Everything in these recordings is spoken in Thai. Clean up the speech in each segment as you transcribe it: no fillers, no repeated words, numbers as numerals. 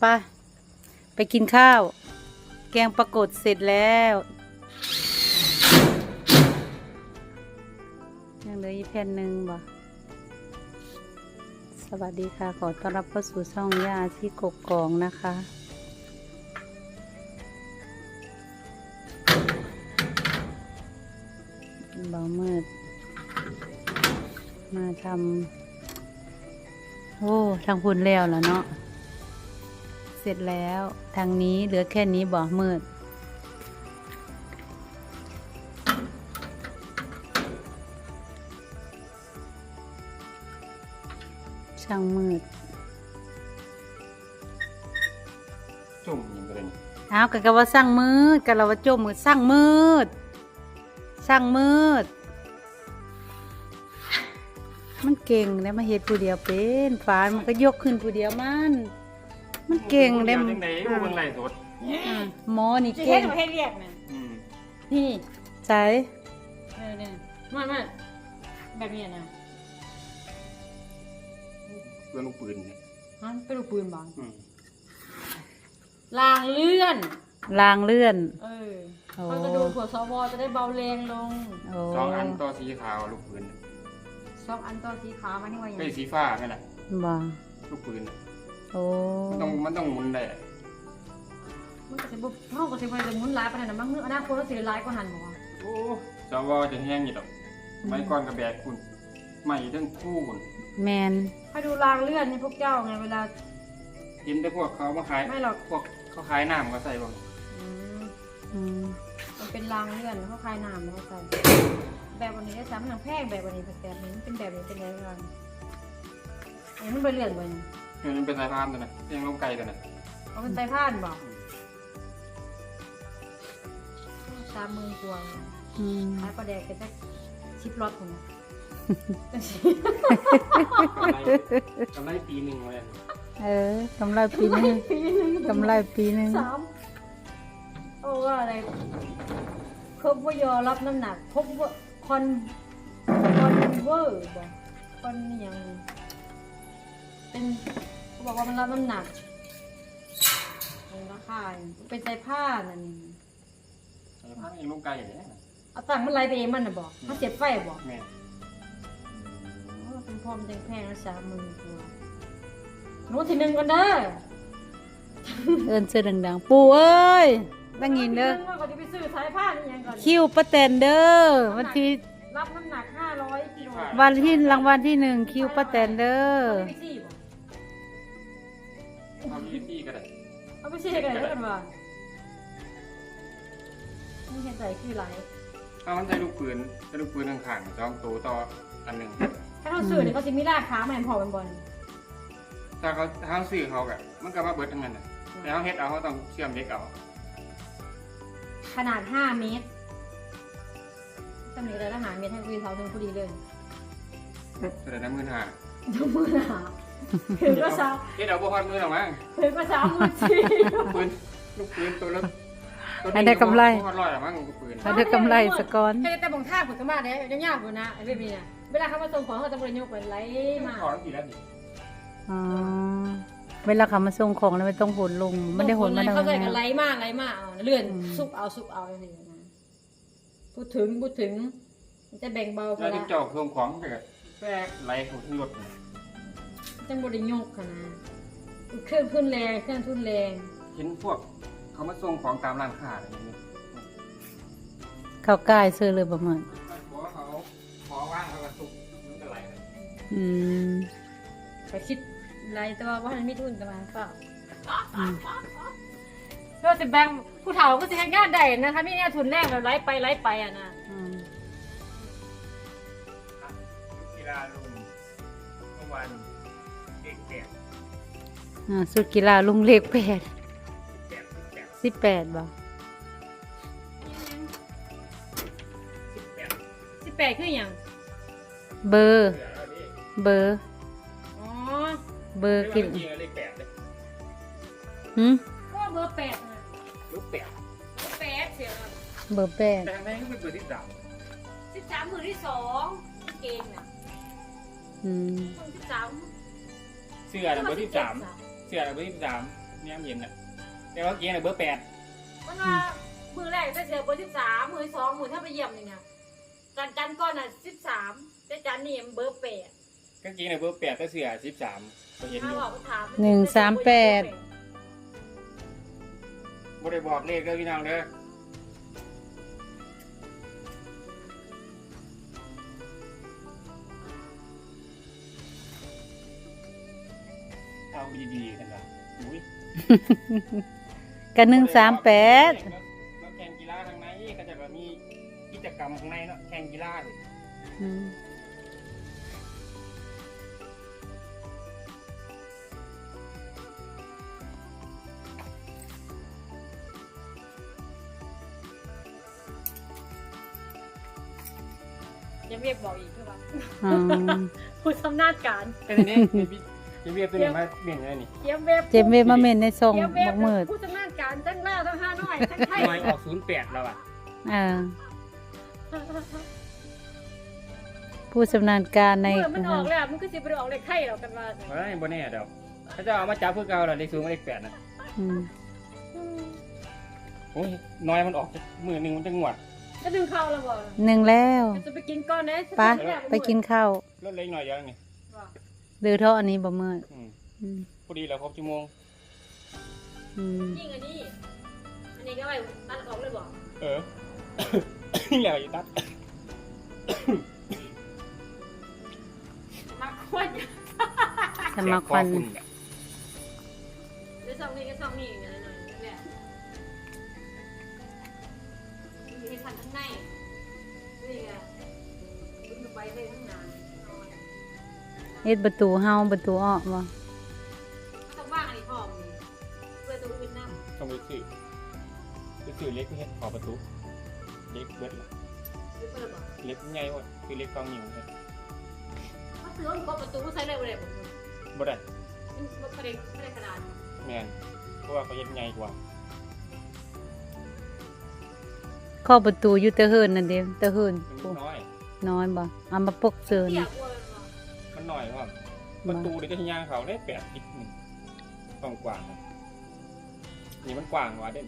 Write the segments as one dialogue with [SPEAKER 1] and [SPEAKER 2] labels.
[SPEAKER 1] ไปกินข้าวแกงปรากฏเสร็จแล้วยังเหลืออีกแผ่นหนึ่งบ่สวัสดีค่ะขอต้อนรับเข้าสู่ช่องย่าที่กกกองนะคะเบามืดมาทำโอ้ทางพุ่นแล้วล่ะเนาะเสร็จแล้วทางนี้เหลือแค่นี้บ่มืดช่างมืด
[SPEAKER 2] จุ่มยังไง
[SPEAKER 1] อ้าวกันว่าสร้างมืดกันเราว่าโจมมืดสร้างมืดสร้างมืดมันเก่งแล้วมาเฮ็ดผู้เดียวเป็นฝานมันก็ยกขึ้นผู้เดียวมันเก่งได้
[SPEAKER 2] มันไหนกูเบิ่งไรสด
[SPEAKER 1] หมอนี่
[SPEAKER 3] เก่ง
[SPEAKER 1] เก่ง
[SPEAKER 3] ให้เรียกนะ
[SPEAKER 1] นี่ใส่
[SPEAKER 3] เนี่ยมันแบบนี้นะ
[SPEAKER 2] เรื่องลูกปืนเนี่ย
[SPEAKER 3] ฮะเป็นลูกปืนบ้างลางเลื่อนเขาจะดูหัวสวจะได้เบาแรงลง
[SPEAKER 2] 2 อันต่อสีขาวลูกปืน
[SPEAKER 3] 2 อันต่อสีขาวมันนี่ว่าอย่าง
[SPEAKER 2] ไอ้สีฟ้านี่แหละ
[SPEAKER 1] บ้า
[SPEAKER 2] ลูกปืน
[SPEAKER 1] โอ้
[SPEAKER 2] มันต้องหมุนได้
[SPEAKER 3] มันก็จะบุกห้องก็จะไปจะหมุนหลายไปไหนบ้างอนาคตเราเสียหลายก็หันบอกว่า
[SPEAKER 2] โอ้สวจะแห้งอยู่ดอกไม้ก้อนกระแบกคุณใหม่ทั้งคู่คุณ
[SPEAKER 1] แมน
[SPEAKER 3] ให้ดูรางเลื่อนนี่พวกเจ้าไงเวลา
[SPEAKER 2] เห็นแต่พวกเขามาขาย
[SPEAKER 3] ไม่หรอก
[SPEAKER 2] พวกเขาขายน้ำก็ใส่บ้าง
[SPEAKER 3] มันเป็นรางเลื่อนเขาคลายน้ำเขาใส่แบบวันนี้ได้ซ้ำหนังแพงแบบวันนี้แบบนี้เป็นแบบนี้เป็นอะไรบ้างอันนี้มันเป็นเลื่อนไป
[SPEAKER 2] มันเป็นสายพานตัวน่ะยังลงไกลตัวน่ะ
[SPEAKER 3] เอาเป็นสายพานบอก30,000 กว่าขายปลาแดกกันสัก10 รถผม
[SPEAKER 2] กำไรปีหนึ่งเลย
[SPEAKER 1] กำไรปีนึงกำไรปีนึง
[SPEAKER 3] โอ้ว่าอะไรครบว่ายอรับน้ำหนักครบว่าคอนเวอร์บอกคอนอย่างเป็นเขาบอกว่ามันรับน้ำหนักมันราคาเป็นใจผ้านั่นนี่
[SPEAKER 2] ใจผ้ายังลงไกลอย่างนี้
[SPEAKER 3] เอาตังค์มันไล่ไปเองมันนะบอกมันเจ็บไฟบอก
[SPEAKER 2] แม่
[SPEAKER 3] เป็นพร้อมแพงๆ30,000 กว่าโน้ตที่1กันเด้อ
[SPEAKER 1] เอิ้นเสื้อดังๆปู่เอ้ยตั้งยินเด้อ
[SPEAKER 3] ก่อนจะไปซื้อสายผ้านี่ยังก่อน
[SPEAKER 1] คิวป้าแตนเด้อวันที่
[SPEAKER 3] รับน้ำหนัก500 กิโล
[SPEAKER 1] วันที่รางวัลที่1คิวป้าแตนเด้อ
[SPEAKER 2] เอาไปซี่ก็ได้
[SPEAKER 3] เอาไปซี่กันได้กันว่านี่เห็นใจคือไร
[SPEAKER 2] เอามันใช้ลูกปืนข้างๆ2 ตัวต่ออันหนึ่ง
[SPEAKER 3] ถ้าเราซื้อเนี่ยเขาจะมีราคาแม่นพอเป็นบอล
[SPEAKER 2] ถ้าเขาซื้อเขากะมันก็มาเบิดทั้งนั้นนะแต่เขาเฮ็ดเอาเขาต้องเชื่อมเด็กเอา
[SPEAKER 3] ขนาด5 เมตรตำหนิเลยทหารเมตรให้คุยเท้าถึงพอดีเลย
[SPEAKER 2] แต่น้ำมือหา
[SPEAKER 3] ถือก็ซ้
[SPEAKER 2] ำเฮ็ดเอาบ่ฮอดมือหรอกมั้ง
[SPEAKER 3] ถือก็ซ้ำมือจี
[SPEAKER 2] ลูกปืนตัวละ
[SPEAKER 1] ให้ได้กำไร
[SPEAKER 2] ฮอด100หรอมั้งลูกปืน
[SPEAKER 1] ให้ได้กำไรสะก้อน
[SPEAKER 3] ให้แต่บางท่าผลก็มาเนี่ยยังยากกว่านะไอ้เบบี้เนี่ยเวลาเขามาส่งของเขาจะบริโภคเป็นไรมา
[SPEAKER 2] ขอกี่แล้วดิ
[SPEAKER 1] เวลาเขามาส่งของแล้วไม่ต้องโหนลงไม่ได้โหนมา
[SPEAKER 3] เขาใส่กันไรมากเลื่อนซุกเอาอะไรอย่างเงี้ยพูดถึงจะแบ่งเบาไป
[SPEAKER 2] แล้วเจ้าส่งของไปกับแฝงไหลของรถ
[SPEAKER 3] จังบริโภคค่ะนะเครื่องทุนแรง
[SPEAKER 2] เห็นพวกเขามาส่งของตามร้านค้าอะไรอย่างเงี้ย
[SPEAKER 1] เขาใกล้ซื้อเลยประมาณ
[SPEAKER 2] เขาขอว่างเขาก็ตุกมันจะไหลเลย
[SPEAKER 3] ไปคิดไรแต่ว่ามันไม่ทุนกันมาเปล่าเราจะแบ่งผู้เฒ่าก็จะงานได้นะคะนี่เนี่ยทุนแรกเราไล่ไปอ่ะนะ
[SPEAKER 2] กีฬาลุงเมื่อวานเด็ก
[SPEAKER 1] สุดกีฬาลุงเล็ก18บ่
[SPEAKER 3] 18คืออย่าง
[SPEAKER 1] เบอร์
[SPEAKER 3] อ๋อ
[SPEAKER 1] เบอร์กิน
[SPEAKER 2] เลข8เลย
[SPEAKER 3] ก็เบอร์8นะ
[SPEAKER 2] ลูก
[SPEAKER 3] 8เสียแล้ว
[SPEAKER 1] เบอร์8
[SPEAKER 2] แต่ทำไมก็เป็นเบอร์ที่
[SPEAKER 3] 13มือที่2เกมน่ะ
[SPEAKER 2] เสื้อเบอร์ที่3เสื้อเบอร์ที่3 เนี่ยเย็นน่ะแต่ว่าเกียร์น่ะเบอร์8
[SPEAKER 3] มันว่ามือแรกใส่เสื้อเบอร์13มือ2มือถ้าไปเยี่ยมนี่นะจันก่อนน่ะ13แต่จันนี่เบอร์8
[SPEAKER 2] กางเกงน่ะเบอร์8แต่เสื้อ13ก็เห็นอ
[SPEAKER 3] ถ้า
[SPEAKER 2] ยู่
[SPEAKER 3] บอกถาม
[SPEAKER 1] 138
[SPEAKER 2] บ่ได้บอกเลขเด้อพี่น้องเด้อเอาดีๆกันล่ะอุ้ย
[SPEAKER 1] กัน138
[SPEAKER 2] แล้วแข่งกีฬาทางในก็จะมีกิจกรรมข้างในเนาะแข่งกีฬานี่
[SPEAKER 1] อืม
[SPEAKER 3] ยังเรียกบอกอีกใช่ปะ
[SPEAKER 1] อ๋อ
[SPEAKER 3] ผู้ชำนาญการ
[SPEAKER 2] แต่นี่จะเรียกตัวนี้มาเบี่ยงอะไรนี่
[SPEAKER 3] เยี่ยมเว็บ
[SPEAKER 1] เจ็บเวมาเม่นในทรง
[SPEAKER 3] เยี่ยมเว็
[SPEAKER 1] บักมืด
[SPEAKER 3] ผู้ชำนาญการทั้งหน้าทั้งห้าน้อยทั้งไทย
[SPEAKER 2] น้อยออก08แล้วอ่ะ
[SPEAKER 1] ผู้ชำนาญการใน
[SPEAKER 3] เมื่อมันออกแล้วมันก็จะไปออกเลขไทยเรากันว่า
[SPEAKER 2] เฮ้ยบ่แน่เดี๋ยวถ้าจะเอามาจับเพื่อเก่าล่ะเลข0กับเลข8น่ะ
[SPEAKER 1] อืม
[SPEAKER 2] โอ้ยน้อยมันออกมือหนึงมันจะงวด
[SPEAKER 3] จะดึงเข้าแล้วบ่
[SPEAKER 1] 1แล้ว
[SPEAKER 3] จะไปกินก้อนนะ
[SPEAKER 1] ปะไปกินข้าว
[SPEAKER 2] ลดเล็กหน่อยเดียวนี่
[SPEAKER 1] หรือเท่าอันนี้บ่มืด
[SPEAKER 2] อืม
[SPEAKER 1] อืม
[SPEAKER 2] พอดีแล้วครบชั่วโมง
[SPEAKER 1] อืม
[SPEAKER 3] ยิ่งอันนี้ก็ไปตัดออกเลยบ่
[SPEAKER 2] เออ แล้วอีตัด
[SPEAKER 3] มาควน
[SPEAKER 1] จะมาควัน
[SPEAKER 2] แสบคอณเนี่ย
[SPEAKER 3] หรือซองนี้ก็ซองนี้อย่างเงี้ยหน่อยแหละมีให้ทันทั้งในนี่ไงคุณไปได้ทั้งนาน
[SPEAKER 1] เฮ็ดประตูเฮาประตูออกบ่
[SPEAKER 3] ต้องว่างอันนี้พร้อมเพื่อตัวอื่นนำ
[SPEAKER 2] ต้องไปซื้อเล็กเฮ็ดขอประตูเล็กเบิดละ
[SPEAKER 3] หรือเปิดบ่
[SPEAKER 2] เล็กใหญ่หมดคือเล็กกองนิ้วเนี่ย
[SPEAKER 3] ถ้าซื้อมันก็ประตูก็ใช้เลยบ่ได้บ่
[SPEAKER 2] บ่ได้
[SPEAKER 3] มันไม่ได้ขนาด
[SPEAKER 2] แม่นเพราะว่าเขาเฮ็ดใหญ่กว่า
[SPEAKER 1] ข้อประตูอยู่แตะเฮินนั่นเด้ตะเฮิน
[SPEAKER 2] มัน
[SPEAKER 1] โอ้
[SPEAKER 2] น้อย
[SPEAKER 1] น้อยบ่เอามาปกเซิน
[SPEAKER 3] เสียกลัวมันบ่
[SPEAKER 2] มันน้อยว่าประตูเดี๋ยวจะย่างเขาได้8 นิดนึงกว้างๆนี่มันกว้างกว่าเด้น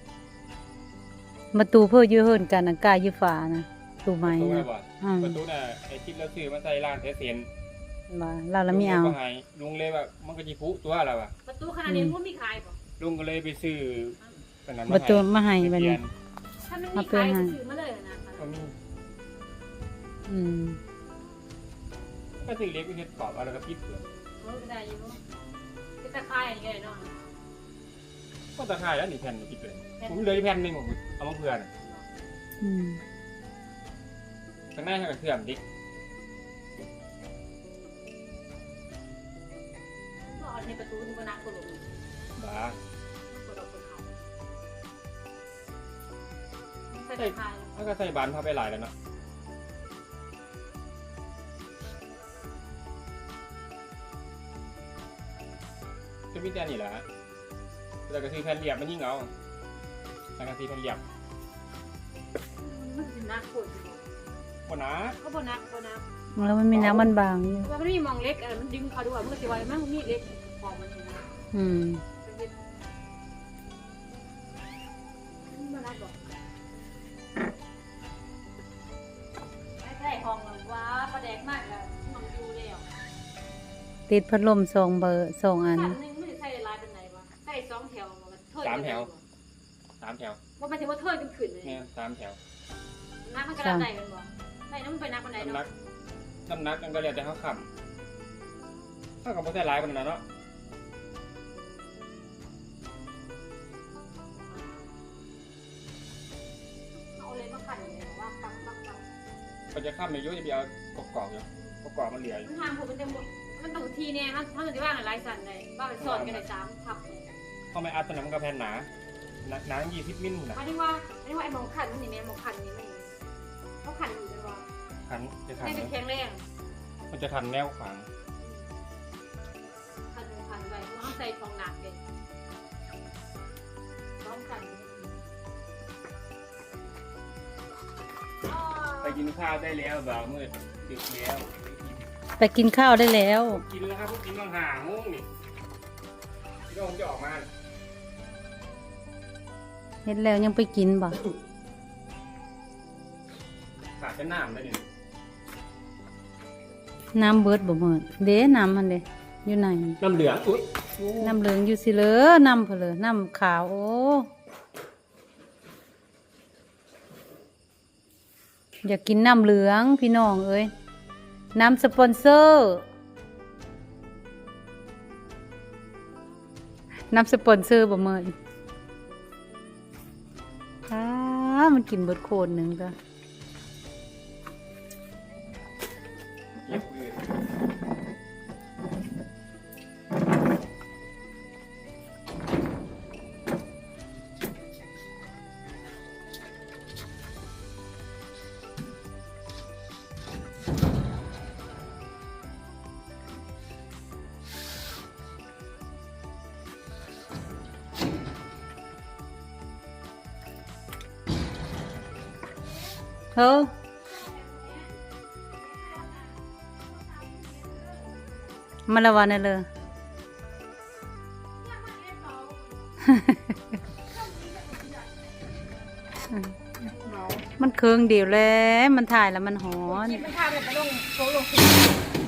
[SPEAKER 1] ประตูเพื่ออยู่เฮินกันอากาศอยู่ฝานะตู้ไม้
[SPEAKER 2] ประตู
[SPEAKER 1] นะ
[SPEAKER 2] น่ะบ่
[SPEAKER 1] อืม
[SPEAKER 2] ประตูน่ะไอ้ที่เราซื้อมาใส่ร้านเสียน
[SPEAKER 1] บ่เราละไม่เอา
[SPEAKER 2] ลุงก็ให้ลุงเลยว่ามันก็สิพุตัวแล้วอ่ะ
[SPEAKER 3] ประตูขนาดนี้มันมีขายบ่
[SPEAKER 2] ลุงก็เลยไปซื้ออันนั้น
[SPEAKER 1] ประตูมาให้
[SPEAKER 2] ให้
[SPEAKER 1] บัดนี้
[SPEAKER 3] ถ้ามันมีขายก็ซื้อมาเลยนะ
[SPEAKER 2] ก็มี
[SPEAKER 1] อืม
[SPEAKER 2] ก็ซื้อเล็กไปเฮ็ดขอบเอาแล้วก็ปิดเปลือก
[SPEAKER 3] เออได้อยู่ก็ตะคายอย่างเงี้ยเนาะ
[SPEAKER 2] ก็ตะข่ายแล้วนี่แผ่นปิดเลยผมเหลยแผ่นหนึงผมเอามาเผื่อน่ะ
[SPEAKER 1] อืม
[SPEAKER 2] ข้างหน้าให้กับเสื่อมดิ
[SPEAKER 3] ก็เอาในประตูนี่ก็นักกว่าลง
[SPEAKER 2] บ้า
[SPEAKER 3] ก็ดอกคนเขาใส่ตะคาย
[SPEAKER 2] ถ้าก็ใส่บานพาไปหลายแล้วเนาะจะมีแต่นี่แหละแต่ก็ซื้อแผ่นเหลี่ยมมันยิ่งเอาแต่ก็ซื้อแผ่นเหลี่ยม
[SPEAKER 3] มันเป็นนักคน
[SPEAKER 2] บ่นะ
[SPEAKER 3] ก็บ่นักบ่นัก
[SPEAKER 1] แล้วมันมีน้ำมันบางอยู่
[SPEAKER 3] ว่ามันมีมองเล็กมันดึงเขาด้วยมันก็สิว่ามันมีเล็กของมันนี่นะ
[SPEAKER 1] อืม
[SPEAKER 3] มันนักบ่ใช่ห้องว่าประแดกมากอะมันอยู่แล้ว
[SPEAKER 1] ติดพัดลม2เบอร์2อัน
[SPEAKER 3] นึงไม่ได้ใส่ลายเป็นไหนวะใส่2แถวมันเทิด
[SPEAKER 2] 3 แถว
[SPEAKER 3] ว่ามันถึงว่าเทิดกันขึ้นเลย
[SPEAKER 2] แม่3 แถว
[SPEAKER 3] นักมันกระดานไหนกันบ่ไหนน้ำมันไปนักมันไหน
[SPEAKER 2] น้ำหนั
[SPEAKER 3] เนาะ
[SPEAKER 2] กน้ำหนักมันก็แล้วแต่เขาขับถ้ากับบ่ใส่หลายปานนั้นเนาะ
[SPEAKER 3] เอาเลยมาขันอย่างเงี้ยว่าปัก
[SPEAKER 2] ก็จะข้ามในยุจะไปเอากรอบๆอยู่กรอบๆมันเหลืออยู่
[SPEAKER 3] มันทางผมมันจะหมดมันต้องทีเนี่ยมันจะว่างหลายสันเลยว่าไปสอนกันเลย3ทับ
[SPEAKER 2] เข้าไม่อัดตัวนั้นมันก็แผ่นหนาหนา20 มิลนะ
[SPEAKER 3] อันนี้ว่าไอ้มองขันนี่แม่มองขันนี่มันเขาขันอยู่กันว่า
[SPEAKER 2] ขันจะขัน
[SPEAKER 3] ให้เป็นแข็งแรง
[SPEAKER 2] มันจะขันแนวขวาง
[SPEAKER 3] ขันไปเพราะเขาใส่ของหนักเลยต้องขัน
[SPEAKER 2] ไปกินข้าวได้แล้วบ่าวมืดดึกแล้ว
[SPEAKER 1] ไปกินข้าวได้แล้ว
[SPEAKER 2] กินแล้วครับพวกกินต้องหาโมงนี่พี่น้องจะออกมา
[SPEAKER 1] เฮ็ดแล้วยังไปกินบ่
[SPEAKER 2] ขาดจะน้ำได้เนี่ย
[SPEAKER 1] น้ำเบิดบ่เมิดเด้น้ำมันเด้อยู่ไหน
[SPEAKER 2] น้ำเหลืองอุ้ย
[SPEAKER 1] น้ำเหลืองอยู่สิเลอน้ำเพนเลยน้ำขาวโอ้อยากกินน้ำเหลืองพี่น้องเอ้ยน้ำสปอนเซอร์น้ำสปอนเซอร์บ่เมินมันกินเบิดโคนหนึ่งก็
[SPEAKER 2] เก็บเลย
[SPEAKER 1] เฮ้อมาละวันนี่เลย มันเคืองเดียวแล้วมันถ่ายแล้วมันหอน
[SPEAKER 3] คิดไม่ทาแบบไปลงโซโล